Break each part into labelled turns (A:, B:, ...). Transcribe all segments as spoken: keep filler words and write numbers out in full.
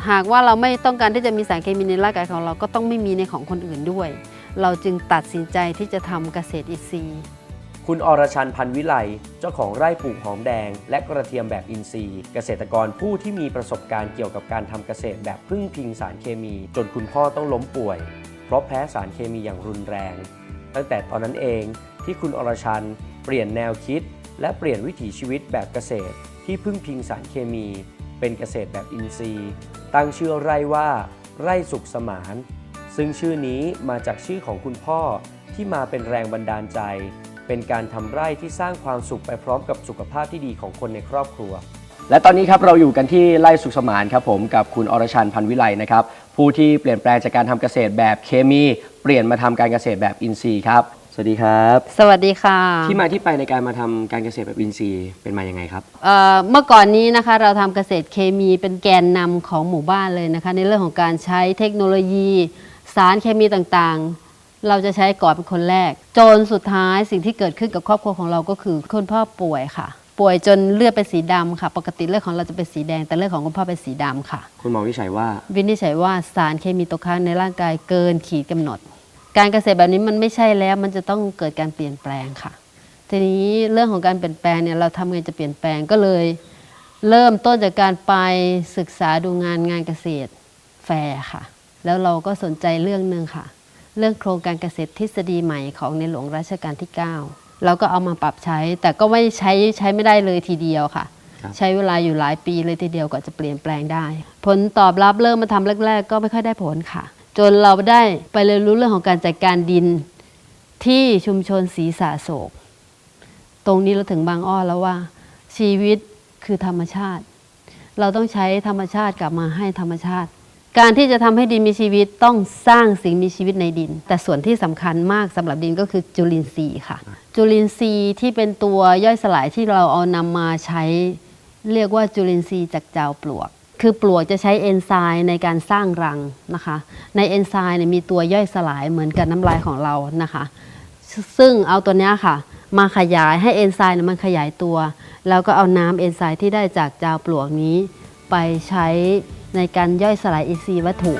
A: หากว่าเราไม่ต้องการที่จะมีสารเคมีในร่างกายของเราก็ต้องไม่มีในของคนอื่นด้วยเราจึงตัดสินใจที่จะทำเกษตรอินทรีย์
B: คุณอรชัน พันวิไลเจ้าของไร่ปลูกหอมแดงและกระเทียมแบบอินทรีย์เกษตรกรผู้ที่มีประสบการณ์เกี่ยวกับการทำเกษตรแบบพึ่งพิงสารเคมีจนคุณพ่อต้องล้มป่วยเพราะแพ้สารเคมีอย่างรุนแรงตั้งแต่ตอนนั้นเองที่คุณอรชันเปลี่ยนแนวคิดและเปลี่ยนวิถีชีวิตแบบเกษตรที่พึ่งพิงสารเคมีเป็นเกษตรแบบอินทรีย์ตั้งชื่อไร่ว่าไร่สุขสมานซึ่งชื่อนี้มาจากชื่อของคุณพ่อที่มาเป็นแรงบันดาลใจเป็นการทำไร่ที่สร้างความสุขไปพร้อมกับสุขภาพที่ดีของคนในครอบครัวและตอนนี้ครับเราอยู่กันที่ไร่สุขสมานครับผมกับคุณอรชัน พันวิไลนะครับผู้ที่เปลี่ยนแปลงจากการทำเกษตรแบบเคมีเปลี่ยนมาทำการเกษตรแบบอินทรีย์ครับสวัสดีครับ
A: สวัสดีค่ะ
B: ที่มาที่ไปในการมาทำการเกษตรแบบอินทรีย์เป็นมายังไงครับ
A: เอ่อเมื่อก่อนนี้นะคะเราทำเกษตรเคมีเป็นแกนนำของหมู่บ้านเลยนะคะในเรื่องของการใช้เทคโนโลยีสารเคมีต่างๆเราจะใช้ก่อนเป็นคนแรกจนสุดท้ายสิ่งที่เกิดขึ้นกับครอบครัวของเราก็คือคุณพ่อป่วยค่ะป่วยจนเลือดเป็นสีดำค่ะปกติเลือดของเราจะเป็นสีแดงแต่เลือดของคุณพ่อเป็นสีดำค่ะ
B: คุณหมอวิจัยว่า
A: วินิจฉัยว่าสารเคมีตกค้างในร่างกายเกินขีดกำหนดการเกษตรแบบนี้มันไม่ใช่แล้วมันจะต้องเกิดการเปลี่ยนแปลงค่ะทีนี้เรื่องของการเปลี่ยนแปลงเนี่ยเราทำไงจะเปลี่ยนแปลงก็เลยเริ่มต้นจากการไปศึกษาดูงานงานเกษตรแฟร์ค่ะแล้วเราก็สนใจเรื่องนึงค่ะเรื่องโครงการเกษตรทฤษฎีใหม่ของในหลวงรัชกาลที่เก้าเราก็เอามาปรับใช้แต่ก็ไม่ใช้ใช้ไม่ได้เลยทีเดียวค่ะใช้เวลาอยู่หลายปีเลยทีเดียวกว่าจะเปลี่ยนแปลงได้ผลตอบรับเริ่มมาทำแรกๆก็ไม่ค่อยได้ผลค่ะจนเราได้ไปเรียนรู้เรื่องของการจัดการดินที่ชุมชนศรีสาโศกตรงนี้เราถึงบางอ้อแล้วว่าชีวิตคือธรรมชาติเราต้องใช้ธรรมชาติกลับมาให้ธรรมชาติการที่จะทำให้ดินมีชีวิตต้องสร้างสิ่งมีชีวิตในดินแต่ส่วนที่สำคัญมากสำหรับดินก็คือจุลินทรีย์ค่ะจุลินทรีย์ที่เป็นตัวย่อยสลายที่เราเอานำมาใช้เรียกว่าจุลินทรีย์จากจาวปลวกคือปลวกจะใช้เอนไซม์ในการสร้างรังนะคะในเอนไซม์เนี่ยมีตัวย่อยสลายเหมือนกับน้ำลายของเรานะคะซึ่งเอาตัวนี้ค่ะมาขยายให้เอนไซม์มันขยายตัวแล้วก็เอาน้ำเอนไซม์ที่ได้จากจาวปลวกนี้ไปใช้ในการย่อยสลายอินทรีย์วัตถุ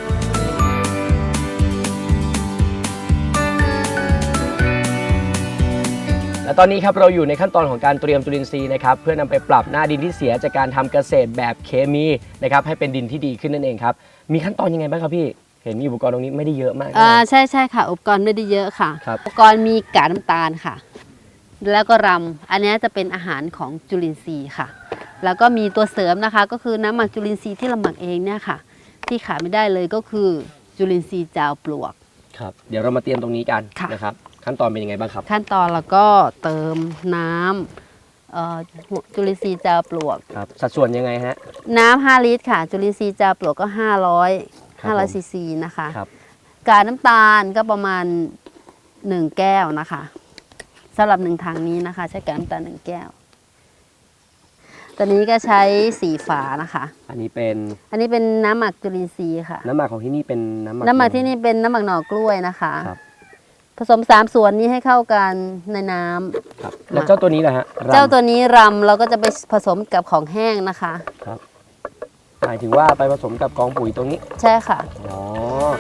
B: และตอนนี้ครับเราอยู่ในขั้นตอนของการเตรียมจุลินทรีย์นะครับเพื่อนำไปปรับหน้าดินที่เสียจากการทำเกษตรแบบเคมีนะครับให้เป็นดินที่ดีขึ้นนั่นเองครับมีขั้นตอนยังไงบ้างครับพี่เห็นมีอุปกรณ์ตรงนี้ไม่ได้เยอะมาก
A: อ่าใช่ใช่ค่ะอุปกรณ์ไม่ได้เยอะค่ะอุปกรณ์มีกากน้ำตาลค่ะแล้วก็รำอันนี้จะเป็นอาหารของจุลินทรีย์ค่ะแล้วก็มีตัวเสริมนะคะก็คือน้ำหมักจุลินทรีย์ที่เราหมักเองเนี่ยค่ะที่ขาดไม่ได้เลยก็คือจุลินทรีย์จาวปลวก
B: ครับเดี๋ยวเรามาเตรียมตรงนี้กันนะครับขั้นตอนเป็นยังไงบ้างครับ
A: ขั้นตอนเราก็เติมน้ำจุลินทรีย์จาวปลวก
B: ครับสัดส่วนยังไงฮะ
A: น้ำห้าลิตรค่ะจุลินทรีย์จาวปลวกก็ห้าร้อยห้าร้อยซีซีนะคะกากน้ำตาลก็ประมาณหนึ่งแก้วนะคะสำหรับหนึ่งถังนี้นะคะใช้กากน้ำตาลหนึ่งแก้วตัวนี้ก็ใช้สีฝานะคะ
B: อันนี้เป็น
A: อันนี้เป็นน้ำหมักจุลินทรีย์ค่ะ
B: น้ำหมักของที่นี่เป็นน้ำหมัก
A: น้ำหมักที่นี่เป็นน้ำหมักหน่อกล้วยนะคะผสมสามส่วนนี้ให้เข้ากันในน้
B: ำครับแล้วเจ้าตัวนี้แหละฮะ
A: เจ้าตัวนี้รำเราก็จะไปผสมกับของแห้งนะคะ
B: ครับหมายถึงว่าไปผสมกับกองปุ๋ยตรงนี้
A: ใช่ค่ะ
B: อ๋อ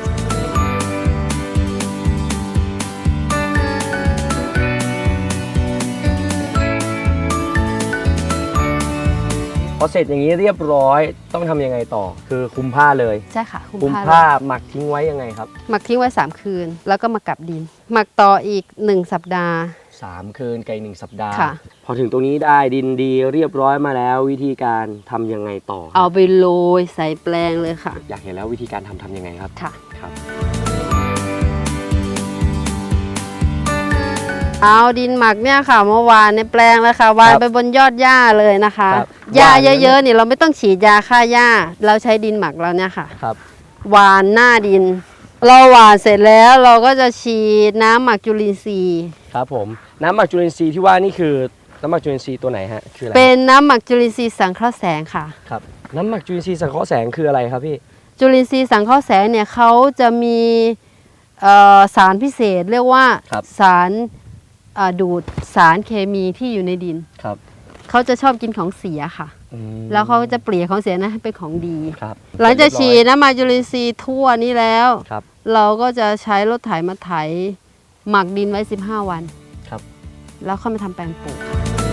B: พอเสร็จอย่างนี้เรียบร้อยต้องทำยังไงต่อคือคุมผ้าเลย
A: ใช่ค่ะ
B: คุมผ้าหมักทิ้งไว้ยังไงครับ
A: หมักทิ้งไว้สามคืนแล้วก็มากลับดินหมักต่ออีกหนึ่งสัปดาห์
B: สามคืนกับอีกหนึ่งสัปดาห์พอถึงตรงนี้ได้ดินดีเรียบร้อยมาแล้ววิธีการทำยังไงต่อ
A: เอาไปโรยใส่แปลงเลยค่ะ
B: อยากเห็นแล้ววิธีการทำทำยังไงครับ
A: ค่ะ
B: ครับ
A: เอาดินหมักเนี่ยค่ะเมื่อวานในแปลงแล้วค่ะวางไปบนยอดหญ้าเลยนะคะหญ้าเยอะๆนี่เราไม่ต้องฉีดยาฆ่าหญ้าเราใช้ดินหมักเราเนี่ยค่ะหวานหน้าดินเราหวานเสร็จแล้วเราก็จะฉีดน้ำหมักจุลินทรีย์
B: ครับผมน้ำหมักจุลินทรีย์ที่ว่านี่คือน้ำหมักจุลินทรีย์ตัวไหนฮะคืออะไร
A: เป็นน้ำหมักจุลินทรีย์สังเคราะห์แสงค่ะ
B: ครับน้ำหมักจุลินทรีย์สังเคราะห์แสงคืออะไรครับพี่
A: จุลินทรีย์สังเคราะห์แสงเนี่ยเขาจะมีสารพิเศษเรียกว่าสารดูดสารเคมีที่อยู่ในดิน
B: ครับ
A: เขาจะชอบกินของเสียค่ะ
B: อืม
A: แล้วเขาจะเปลี่ยนของเสียนะให้เป็นของดี
B: ครับ
A: หลังจากฉีดน้ำมันจุลินทรีย์ทั่วนี้แล้ว
B: ครับ
A: เราก็จะใช้รถไถมาไถหมักดินไว้สิบห้าวัน
B: ครับ
A: แล้วค่อยมาทำแปลงปลูก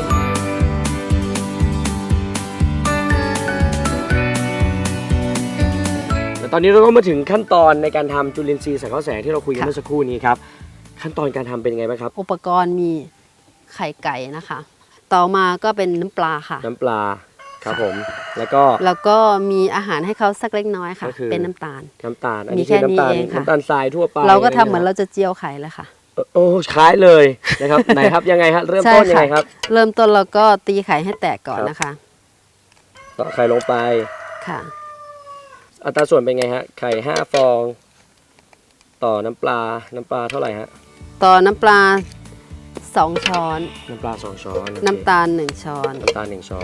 B: แล้วตอนนี้เราก็มาถึงขั้นตอนในการทำจุลินทรีย์สังเคราะห์แสงที่เราคุยกัน
A: ค่ะ
B: เมื่อสักครู่นี้ครับขั้นตอนการทำเป็นยังไงบ้างครับ
A: อุปกรณ์มีไข่ไก่นะคะ ต่อมาก็เป็นน้ำปลาค่ะ
B: น้ำปลาครับผมแล้วก็
A: แล้วก็มีอาหารให้เขาสักเล็กน้อยค่ะ
B: ก็คือ
A: เป็นน้ำตาล
B: น้ำตาลอัน
A: มี
B: นี้
A: แค่
B: คือน้ำตาล
A: นี้เองค่ะ
B: น้ำตาลทรายทั่วไป
A: เราก็ทำเหมือน
B: อะไร
A: เรา
B: งี้ย
A: จะเจียวไข่เลยค่ะ
B: เออโอ้คล้ายเลยนะครับ ไหนครับยังไงฮะเริ่มต้นยังไงครับ
A: เริ่มต้นเราก็ตีไข่ให้แตกก่อนนะคะ
B: ต่อไข่ลงไป
A: ค่ะ
B: อัตราส่วนเป็นไงฮะไข่ห้าฟอง ต่อน้ำปลาน้ำปลาเท่าไหร่ฮะ
A: ต่อน้ำปลาสองช้อน
B: น้ำปลาสองช้อนโอเค
A: น้ำตาลหนึ่งช้อน
B: น้ำตาลหนึ่งช้อน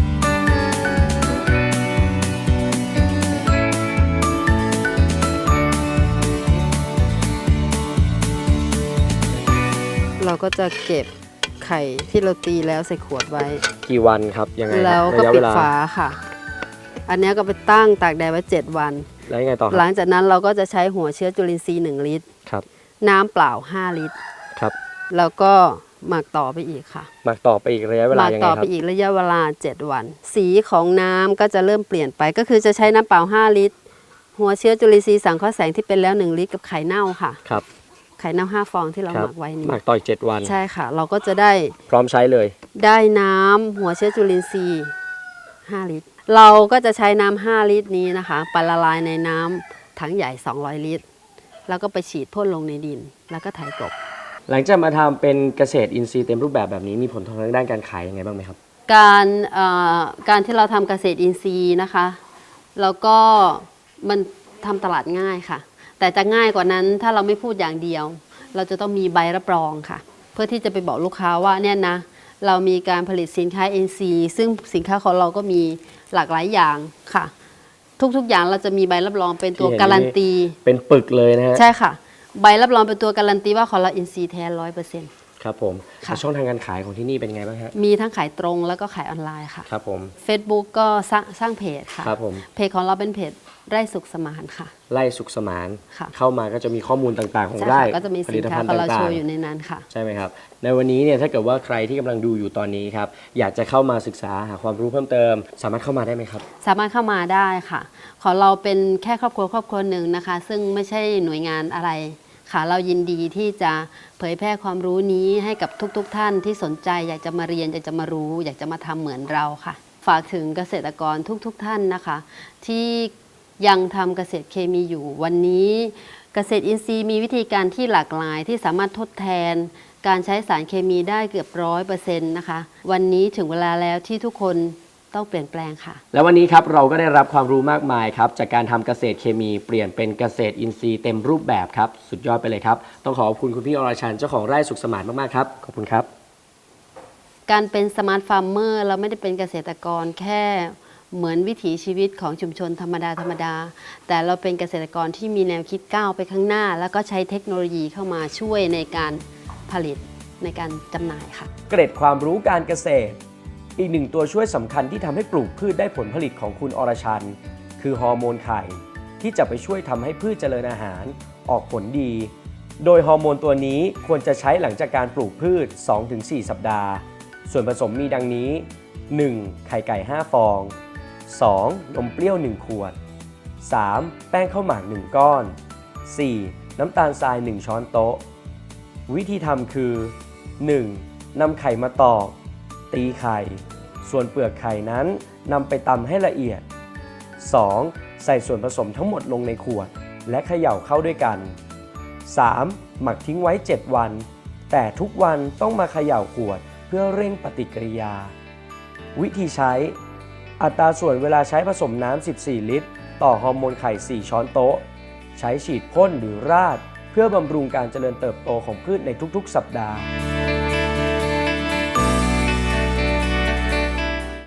A: เราก็จะเก็บไข่ที่เราตีแล้วใส่ขวดไว้
B: กี่วันครับยังไงครับ
A: แล้วก็
B: ระยะ
A: ปิ
B: เว
A: ด
B: ลา
A: ฝาค่ะ อันนี้ก็ไปตั้งตากแดดไว้เจ็ดวัน
B: แล้วยังไงต่อค
A: หลั
B: รับ
A: งจากนั้นเราก็จะใช้หัวเชื้อจุลินทรีย์หนึ่งลิตร
B: ครับ
A: น้ำเปล่าห้าลิตร
B: ครับ
A: แล้วก็หมักต่อไปอีกค่ะ
B: หมักต่อไปอีกระยะเว
A: ห
B: ลา
A: มัก
B: ยังไง
A: ต่อ
B: ค
A: ไป
B: รับ
A: อีกระยะเวลาเจ็ดวัน สีของน้ำก็จะเริ่มเปลี่ยนไป ก็คือจะใช้น้ำเปล่าห้าลิตร หัวเชื้อจุลินทรีย์สังเคราะห์แสงที่เป็นแล้วหนึ่งลิตรกับไข่เน่าค่ะ
B: ครับ
A: ไข่เน่าห้าฟองที่เรา
B: ครั
A: ห
B: บ
A: มักไว้นี้
B: หมักต่ออีกเจ็ดวัน
A: ใช่ค่ะ เราก็จะได้
B: พร้อมใช้เลย
A: ได้น้ำหัวเชื้อจุลินทรีย์ห้าลิตร เราก็จะใช้น้ำห้าลิตรนี้นะคะไปละลายในน้ำถังใหญ่สองร้อยลิตร แล้วก็ไปฉีดพ่นลงในดิน แล้วก็ไถกลบ
B: หลังจากมาทำเป็นเกษตรอินทรีย์เต็มรูปแบบแบบนี้มีผลทางด้านการขายยังไงบ้างไหมครับ
A: การเอ่อการที่เราทำเกษตรอินทรีย์นะคะ แล้วก็มันทำตลาดง่ายค่ะ แต่จะง่ายกว่านั้นถ้าเราไม่พูดอย่างเดียว เราจะต้องมีใบรับรองค่ะ เพื่อที่จะไปบอกลูกค้าว่าเนี่ยนะเรามีการผลิตสินค้า เอ็น ซี ซึ่งสินค้าของเราก็มีหลากหลายอย่างค่ะ ทุกๆอย่างเราจะมีใบรับรองเป็นตัว
B: ที่เห็น
A: การันตี
B: เป็นปึกเลยนะฮะ
A: ใช่ค่ะ ใบรับรองเป็นตัวการันตีว่าของเราอินซีแท้ร้อยเปอร์เซ็นต์
B: ครับผม
A: ค่ะ
B: แล้วช่องทางการขายของที่นี่เป็นไงบ้างฮะ
A: มีทั้งขายตรงแล้วก็ขายออนไลน์ค่ะ
B: ครับผม
A: Facebook ก็สร้างสร้างเพจค่ะ
B: ครับผม
A: เพจของเราเป็นเพจไร่สุขสมานค่ะ
B: ไล่สุขสมาน
A: ค่ะ
B: เข้ามาก็จะมีข้อมูลต่างๆ ของ
A: ใช่
B: ไร่
A: ค่ะก็จะมี
B: ผ
A: สิ
B: ลิ
A: น
B: ต
A: ค้า
B: ภัณฑ์
A: ของเรา
B: ต่า
A: โช
B: ง
A: ว์อยู่ในนั้นค่ะ
B: ๆใช่ไหมครับในวันนี้เนี่ยถ้าเกิดว่าใครที่กำลังดูอยู่ตอนนี้ครับอยากจะเข้ามาศึกษาหาความรู้เพิ่มเติม สามารถเข้ามาได้ไหมครับ
A: สามารถเข้ามาได้ค่ะ ของเราเป็นแค่ครอบครัวครอบครัวหนึ่งนะคะ ซึ่งไม่ใช่หน่วยงานอะไรค่ะ เรายินดีที่จะเผยแพร่ความรู้นี้ให้กับทุกๆทท่านที่สนใจอยากจะมาเรียนอยากจะมารู้ อยากจะมาทำเหมือนเราค่ะ ฝากถึงเกษตรกรทุกๆทท่านนะคะ ที่ยังทำเกษตรเคมีอยู่วันนี้ เกษตรอินทรีย์มีวิธีการที่หลากหลายที่สามารถทดแทน การใช้สารเคมีได้เกือบร้อยเปอร์เซ็นต์นะคะ วันนี้ถึงเวลาแล้วที่ทุกคนต้องเปลี่ยนแปลงค่ะ
B: แล้ววันนี้ครับเราก็ได้รับความรู้มากมายครับจากการทำเกษตรเคมีเปลี่ยนเป็นเกษตรอินทรีย์เต็มรูปแบบครับสุดยอดไปเลยครับต้องขอขอบคุณคุณพี่อรชันเจ้าของไร่สุขสมานมากๆครับขอบคุณครับ
A: การเป็นสมาร์ทฟาร์มเมอร์เราไม่ได้เป็นเกษตรกรแค่เหมือนวิถีชีวิตของชุมชนธรรมดาธรรมดา แต่เราเป็นเกษตรกรที่มีแนวคิดก้าวไปข้างหน้า แล้วก็ใช้เทคโนโลยีเข้ามาช่วยในการผลิตในการจำหน่ายค่ะ
B: เกร็ดความรู้การเกษตร อีกหนึ่งตัวช่วยสำคัญที่ทำให้ปลูกพืชได้ผลผลิตของคุณอรชันคือฮอร์โมนไข่ที่จะไปช่วยทำให้พืชเจริญอาหารออกผลดี โดยฮอร์โมนตัวนี้ควรจะใช้หลังจากการปลูกพืช สองถึงสี่ สัปดาห์ ส่วนผสมมีดังนี้ หนึ่ง ไข่ไก่ห้าฟอง สอง นมเปรี้ยวหนึ่งขวด สาม แป้งข้าวหมากหนึ่งก้อน สี่ น้ำตาลทรายหนึ่งช้อนโต๊ะวิธีทำคือ หนึ่ง นำไข่มาตอกตีไข่ ส่วนเปลือกไข่นั้นนำไปตำให้ละเอียด สอง ใส่ส่วนผสมทั้งหมดลงในขวดและเขย่าเข้าด้วยกัน สาม หมักทิ้งไว้ เจ็ด วัน แต่ทุกวันต้องมาเขย่าขวดเพื่อเร่งปฏิกิริยา วิธีใช้ อัตราส่วนเวลาใช้ผสมน้ำ สิบสี่ ลิตร ต่อฮอร์โมนไข่ สี่ ช้อนโต๊ะ ใช้ฉีดพ่นหรือราดเพื่อบำรุงการเจริญเติบโตของพืชในทุกๆ สัปดาห์